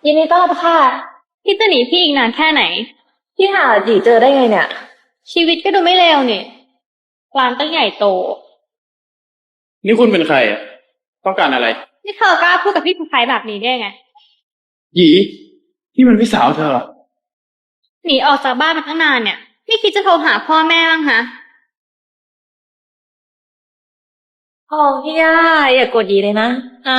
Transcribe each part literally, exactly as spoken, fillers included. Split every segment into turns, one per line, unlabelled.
ยินดีต้อนรับค่ะ
พี่จะหนีพี่อีกนานแค่ไหน
พี่หาจีเจอได้ไงเนี่ย
ชีวิตก็ดูไม่เลวนี่ร้านตั้งใหญ่โต
นี่คุณเป็นใครอ่ะต้องการอะไร
นี่เธอกล้าพูดกับพี่ผู้ชายแบบนี้ได้ไง
หยีนี่มันพี่สาวเธอเหรอ
หนีออกจากบ้านมาตั้งนานเนี่ยไม่คิดจะโทรหาพ่อแม่บ้างฮะ
อ๋อพี่ย่าอย่ากดยีเลยนะอ่า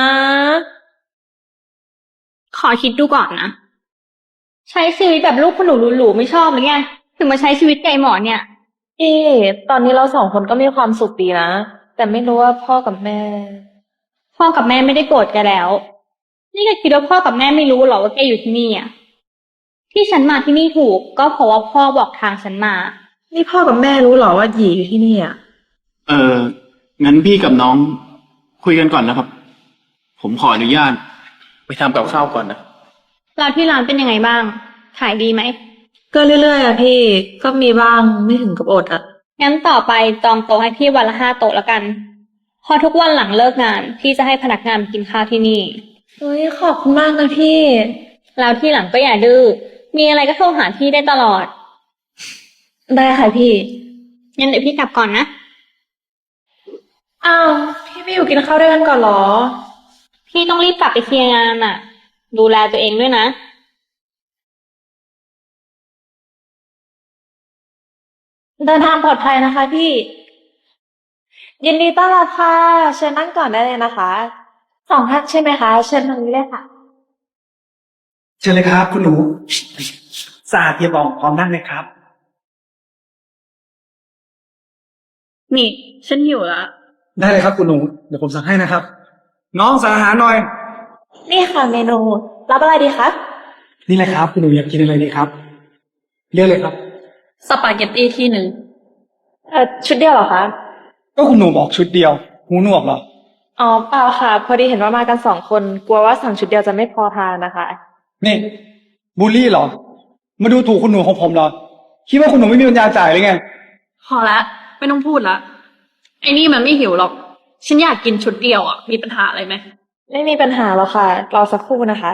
ขอคิดดูก่อนนะใช้ชีวิตแบบลูกคุณหนูหรูๆไม่ชอบหรือไงถึงมาใช้ชีวิตไก่หมอเนี่ย
พี่ตอนนี้เราสองคนก็มีความสุขดีนะแต่ไม่รู้ว่าพ่อกับแม่
พ่อกับแม่ไม่ได้โกรธแกแล้วนี่แกคิดว่าพ่อกับแม่ไม่รู้เหรอว่าแกอยู่ที่นี่อ่ะที่ฉันมาที่นี่ถูกก็เพราะว่าพ่อบอกทางฉันมา
นี่พ่อกับแม่รู้เหรอว่าหยีอยู่ที่นี่อ่ะ
เอองั้นพี่กับน้องคุยกันก่อนนะครับผมขออนุญาตไปทำกับข้าวก่อนนะ
แล้วที่ร้านเป็นยังไงบ้างขายดีไหม
ก็เรื่อยๆอะพี่ก็มีบ้างไม่ถึงกับอดอะ
งั้นต่อไปจองโต๊ะให้พี่วันละห้าโต๊ะแล้วกันพอทุกวันหลังเลิกงานพี่จะให้พนักงานมากินข้าวที่นี่
เฮ้ยขอบคุณมากนะพี่
แล้วที่หลังก็อย่าดื้อมีอะไรก็โทรหาพี่ได้ตลอด
ได้ค่ะพี่
งั้นเดี๋ยวพี่กลับก่อนนะ
อ้าวพี่ไม่อยู่กินข้าวด้วยกันก่อนเหรอ
พี่ต้องรีบกลับไปเคลียร์งานอ่ะดูแลตัวเองด้วยนะ
เดินทางปลอดภัยนะคะพี่ยินดีต้อนรับค่ะเชิญนั่งก่อนได้เลยนะคะสองท่านใช่ไหมคะเชิญทางนี้เลยค่ะ
เชิญเลยครับคุณหนูสะอาดเพียบอ่องพร้อมนั่งเลยครับ
นี่ฉันหิวละ
ได้เลยครับคุณหนูเดี๋ยวผมสั่งให้นะครับน้องสั่งอาหารหน่อย
นี่ค่ะเมนูรับอะไรดีคะ
นี่เลยครับคุณหนูอยากกินอะไรดีครับเลือกเลยครับ
สปาเกตตี้ที่หนึ่ง
เอ่อชุดเดียวเหรอคะ
ก็คุณหนูบอกชุดเดียวหูหนวกเหรอ
อ๋อเปล่าค่ะพอดีเห็นว่ามากันสองคนกลัวว่าสั่งชุดเดียวจะไม่พอทานนะคะ
นี่บูลลี่เหรอมาดูถูกคุณหนูของผมเหรอคิดว่าคุณหนูไม่มีปัญญาจ่ายเลยไง
พอละไม่ต้องพูดละไอ้นี่มันไม่หิวหรอกฉันอยากกินชุดเดียวอ่ะมีปัญหาอะไรไหม
ไม่มีปัญหาหรอกค่ะรอสักครู่นะคะ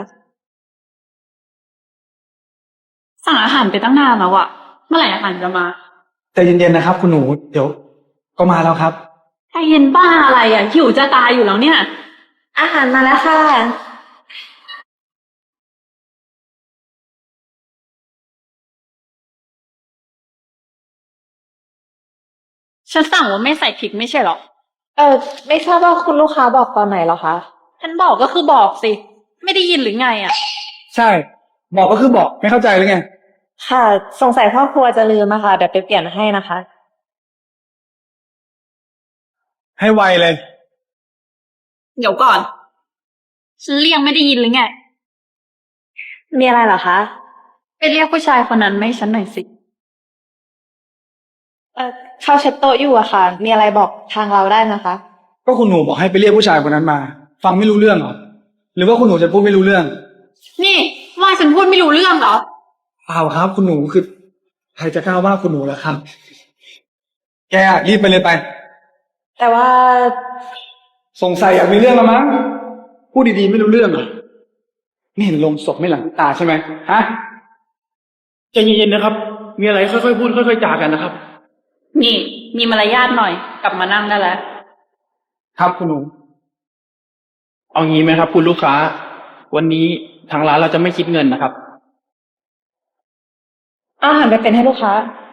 สั่งอาหารไปตั้งนานแล้วอ่ะเมื่อไหร่อาหารจะมา
แต่เย็นๆนะครับคุณหนูเดี๋ยวก็มาแล้วครับ
ใจเย็นบ้าอะไรอ่ะหิวจะตายอยู่แล้วเนี่ย
อาหารมาแล้วค่ะ
ฉันสั่งว่าไม่ใส่พริกไม่ใช่หรอ
เออไม่ทราบว่าคุณลูกค้าบอกตอนไหนเหรอคะ
ฉันบอกก็คือบอกสิไม่ได้ยินหรือไงอ่ะ
ใช่บอกก็คือบอกไม่เข้าใจเลยไง
ค่ะสงสัยพ่อครัวจะลืมอะค่ะเดี๋ยวไปเปลี่ยนให้นะคะ
ให้ไวเลย
เดี๋ยวก่อนฉันเรียกไม่ได้ยินหรือไง
มีอะไรเหรอคะ
ไปเรียกผู้ชายคนนั้นไม่ฉันหน่อยสิ
เออเขาเช็ดโต๊ะอยู่อะค่ะมีอะไรบอกทางเราได้นะคะ
ก็คุณหนูบอกให้ไปเรียกผู้ชายคนนั้นมาฟังไม่รู้เรื่องเหรอหรือว่าคุณหนูจะพูดไม่รู้เรื่อง
นี่ว่าฉันพูดไม่รู้เรื่องเหรอ
เปล่าครับคุณหนูคือใครจะกล้าว่าคุณหนูล่ะครับแกรีบไปเลยไป
แต่ว่า
สงสัยอยากมีเรื่องแล้วมั้งพูดดีๆไม่รู้เรื่องเหรอไม่เห็นลงศพไม่หลังตาใช่ไหมฮะ
ใจเย็นๆนะครับมีอะไรค่อยๆพูดค่อยๆจากันนะครับ
นี่มีมารยาทหน่อยกลับมานั่งได้แล้ว
ครับคุณหนู
เอางี้ไหมครับคุณลูกค้าวันนี้ทางร้านเราจะไม่คิดเงินนะครับ
อาหารไปเป็นให้ลูกค้า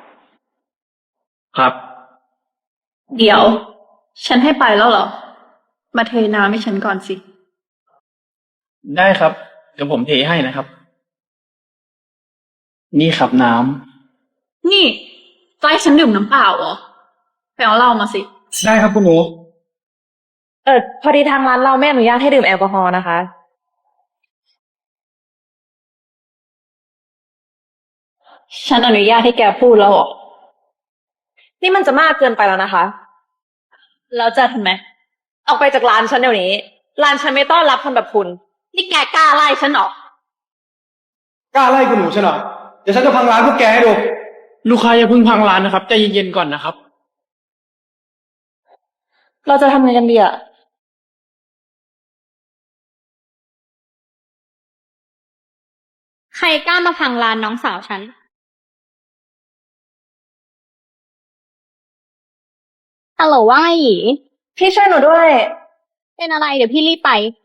ครับ
เดี๋ยวฉันให้ไปแล้วเหรอมาเทน้ำให้ฉันก่อนสิ
ได้ครับเดี๋ยวผมเทให้นะครับนี่ครับน้
ำนี่จะให้ฉันดื่มน้ำเปล่าเหรอไปเอาเหล้ามาสิ
ได้ครับคุณหนู
เออพอดีทางร้านเราไม่อนุญาตให้ดื่มแอลกอฮอล์นะคะ
ฉันอนุญาตให้แกพูดแล้วเหรอ
นี่มันจะมากเกินไปแล้วนะคะ
แล้วจะทำไม
ออกไปจากร้านฉันเดี๋ยวนี้ร้านฉันไม่ต้อนรับคนแบบคุณ
นี่แกกล้าไล่ฉันเหรอก
ล้าไล่คุณหนูใช่เหรอเดี๋ยวฉันจะพังร้านพวกแกให้ดู
ลูกค้าอย่าเพิ่งพังร้านนะครับใจเย็นๆก่อนนะครับ
เราจะทำไงกันดีอะ
รกล้ามาพังร้านน้องสาวฉัน ฮัลโหลว่าไงหยี
พี่ช่วยหนูด้วย
เป็นอะไรเดี๋ยวพี่รีบไป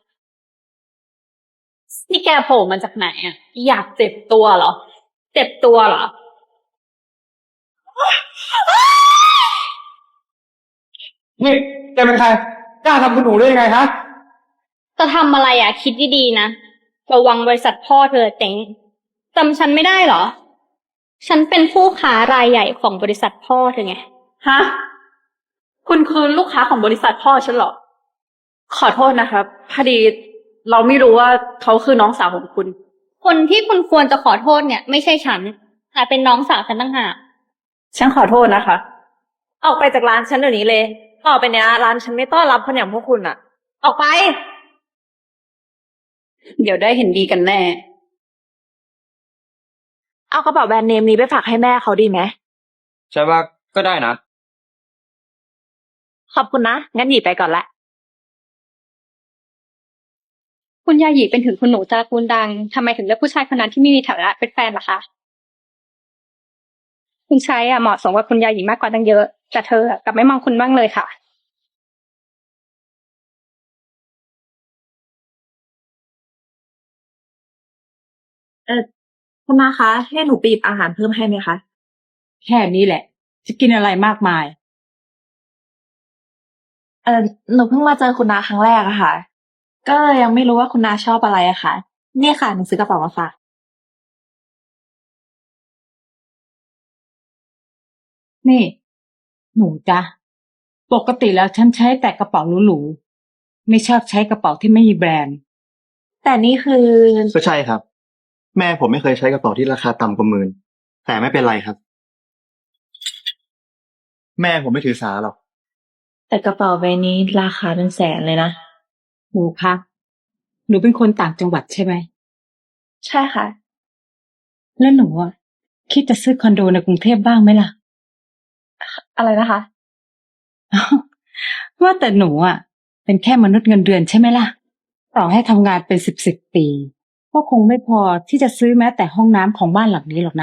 นี่แกโผล่มาจากไหนอ่ะ อยากเจ็บตัวเหรอ เจ็บตัวเหรอ
นี่แกเป็นใคร กล้าทำคุณหนูได้ยังไงฮะ
จะทำอะไรอ่ะ คิดดีๆนะ ระวังบริษัทพ่อเธอเจ๊งจำฉันไม่ได้เหรอ ฉันเป็นผู้ค้ารายใหญ่ของบริษัทพ่อเธอไง
ฮะ คุณคือลูกค้าของบริษัทพ่อฉันเหรอ ขอโทษนะครับ พอดีเราไม่รู้ว่าเขาคือน้องสาวของคุณ
คนที่คุณควรจะขอโทษเนี่ย ไม่ใช่ฉัน แต่เป็นน้องสาวฉันต่างหาก
ฉันขอโทษนะคะ ออกไปจากร้านฉันเดี๋ยวนี้เลย ต่อไปเนี้ยร้านฉันไม่ต้อนรับคนอย่างพวกคุณอะออกไป
เดี๋ยวได้เห็นดีกันแน่
เอากระเป๋าแบรนด์เนมนี้ไปฝากให้แม่เขาดีไหม
ใช่ว่าก็ได้นะ
ขอบคุณนะ งั้นหยีไปก่อนละ
คุณยาหยีเป็นถึงคุณหนูตระกูลดังทำไมถึงเลือกผู้ชายคนนั้นที่ไม่มีฐานะเป็นแฟนล่ะคะ คุณชายอ่ะเหมาะสมกับคุณยาหยีมากกว่าตั้งเยอะ แต่เธออะกลับไม่มองคุณบ้างเลยค่ะ
เออคุณนาคะให้หนูไปหยิบอาหารเพิ่มให้ไหมคะ
แค่นี้แหละ จะกินอะไรมากมาย
เออหนูเพิ่งมาเจอคุณนาครั้งแรกอะค่ะ ก็ยังไม่รู้ว่าคุณนาชอบอะไรอะค่ะ นี่ค่ะหนูซื้อกระเป๋ามาฝาก
นี่ หนูจ๊ะ ปกติแล้วฉันใช้แต่กระเป๋าหรูๆ ไม่ชอบใช้กระเป๋าที่ไม่มีแบรนด์
แต่นี่คือ
ก็ใช่ครับ แม่ผมไม่เคยใช้กระเป๋าที่ราคาต่ำกว่าหมื่นแต่ไม่เป็นไรครับ แม่ผมไม่ถือสาหรอก
แต่กระเป๋าใบนี้ราคาเป็นแสนเลยนะ
หนูคะ หนูเป็นคนต่างจังหวัดใช่ไหม
ใช่ค่ะ
แล้วหนูอ่ะคิดจะซื้อคอนโดในกรุงเทพบ้างไหมล่ะ
อะไรนะคะ
ว่าแต่หนูอ่ะ เป็นแค่มนุษย์เงินเดือนใช่ไหมล่ะ ต่อให้ทำงานเป็นสิบสิบปี ก็คงไม่พอที่จะซื้อแม้แต่ห้องน้ำของบ้านหลังนี้หรอกนะ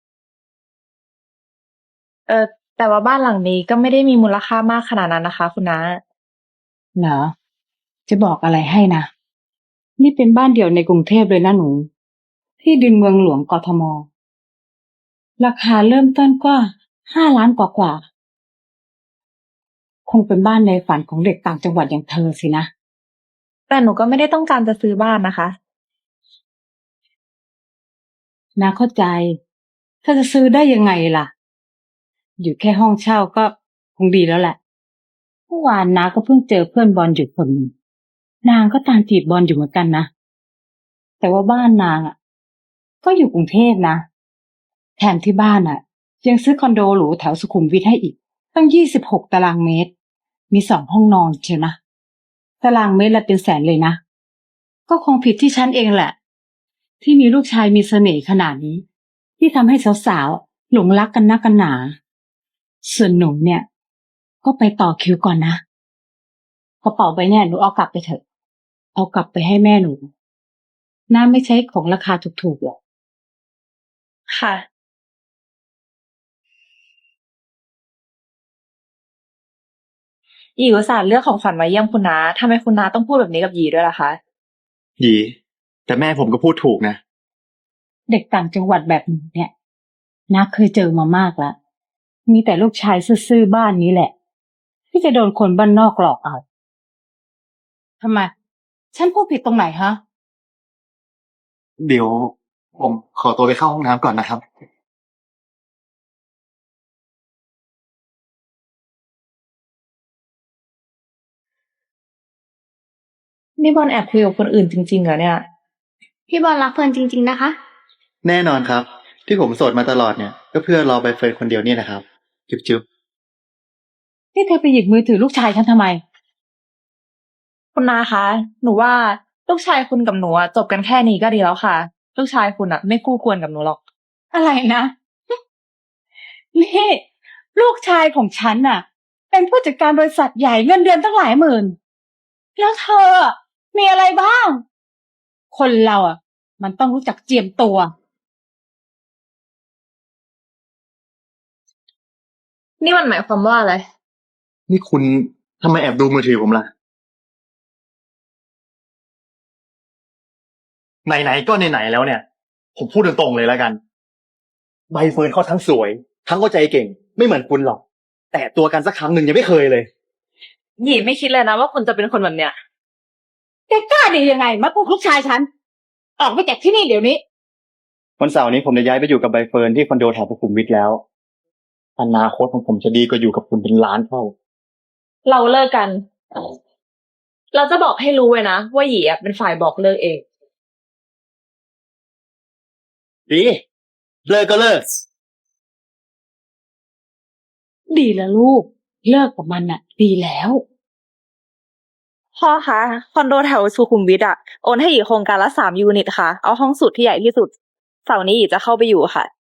เออแต่ว่าบ้านหลังนี้ก็ไม่ได้มีมูลค่ามากขนาดนั้นนะคะ คุณน้า
เหรอ จะบอกอะไรให้นะ นี่เป็นบ้านเดี่ยวในกรุงเทพเลยนะหนู ที่ดินเมืองหลวงกทม ราคาเริ่มต้นก็ห้าล้านกว่ากว่าคงเป็นบ้านในฝันของเด็กต่างจังหวัดอย่างเธอสินะ
แต่หนูก็ไม่ได้ต้องการจะซื้อบ้านนะคะ
นาเข้าใจ ถ้าจะซื้อได้ยังไงล่ะ อยู่แค่ห้องเช่าก็คงดีแล้วแหละ เมื่อวานนาก็เพิ่งเจอเพื่อนบอลอยู่คนหนึ่งนางก็ตามจีบบอลอยู่เหมือนกันนะ แต่ว่าบ้านนางอ่ะ ก็อยู่กรุงเทพนะ แถมที่บ้านอ่ะ ยังซื้อคอนโดหรูแถวสุขุมวิทให้อีก ตั้งยี่สิบหกตารางเมตร มีสองห้องนอนเชียวนะ ตารางเมตรละเป็นแสนเลยนะ ก็คงผิดที่ฉันเองแหละ ที่มีลูกชายมีเสน่ห์ขนาดนี้ ที่ทำให้สาวๆหลงรักกันนักกันหนา ส่วนหนูเนี่ย ก็ไปต่อคิวก่อนนะกระเป๋าใบเนี่ยหนูเอากลับไปเถอะ เอากลับไปให้แม่หนูน้าไม่ใช้ของราคาถูกๆหรอก
ค่ะ หยีอุตส่าห์เลือกของขวัญมาเยี่ยมคุณน้าทำไมคุณน้าต้องพูดแบบนี้กับหยีด้วยล่ะคะ
หยีแต่แม่ผมก็พูดถูกนะ
เด็กต่างจังหวัดแบบหนูเนี่ยน้าเคยเจอมามากแล้ว มีแต่ลูกชายซื่อๆบ้านนี้แหละ ที่จะโดนคนบ้านนอกหลอกเอาทำไม ฉันพูดผิดตรงไหนฮะ
เดี๋ยวผมขอตัวไปเข้าห้องน้ำก่อนนะครับ
นี่บอลแอบคุยกับคนอื่นจริงๆเหรอเนี่ย
พี่บอลรักเฟิร์นจริงๆนะคะ
แน่นอนครับ ที่ผมโสดมาตลอดเนี่ย ก็เพื่อรอใบเฟิร์นคนเดียวนี่นะครับ จุ๊บจุ๊บ
นี่เธอไปหยิบมือถือลูกชายฉันทำไม
คุณนาคะ หนูว่าลูกชายคุณกับหนูอะจบกันแค่นี้ก็ดีแล้วค่ะ ลูกชายคุณอะไม่คู่ควรกับหนูหรอก
อะไรนะ นี่ ลูกชายของฉันน่ะ เป็นผู้จัดการบริษัทใหญ่เงินเดือนตั้งหลายหมื่น แล้วเธออะมีอะไรบ้าง คนเราอ่ะมันต้องรู้จักเจียมตัว
นี่มันหมายความว่าอะไร
นี่คุณทำไมแอบดูมือถือผมล่ะ ไหนๆก็ไหนๆแล้วเนี่ย ผมพูดตรงๆเลยแล้วกัน ใบเฟิร์นเขาทั้งสวย ทั้งเข้าใจเก่ง ไม่เหมือนคุณหรอก แต่ตัวกันสักครั้งหนึ่งยังไม่เคยเลย
หยีไม่คิดเลยนะว่าคุณจะเป็นคนแบบเนี้ย
แกกล้าดียังไงมาพูดลูกชายฉัน ออกไปจากที่นี่เดี๋ยวนี้
วันเสาร์นี้ผมจะย้ายไปอยู่กับใบเฟิร์นที่คอนโดแถวสุขุมวิทแล้ว อนาคตของผมจะดีกว่าอยู่กับคุณเป็นล้านเท่า
เราเลิกกัน เราจะบอกให้รู้ไว้นะว่าหยีอะเป็นฝ่ายบอกเลิกเอง
ดี เลิกก็เลิก
ดีแล้วลูก เลิกกับมันน่ะ ดีแล้ว
พ่อคะคอนโดแถวสุขุมวิทอะโอนให้หยีโครงการละสามยูนิตค่ะ เอาห้องสุดที่ใหญ่ที่สุดเสาร์นี้หยีจะเข้าไปอยู่ค่ะ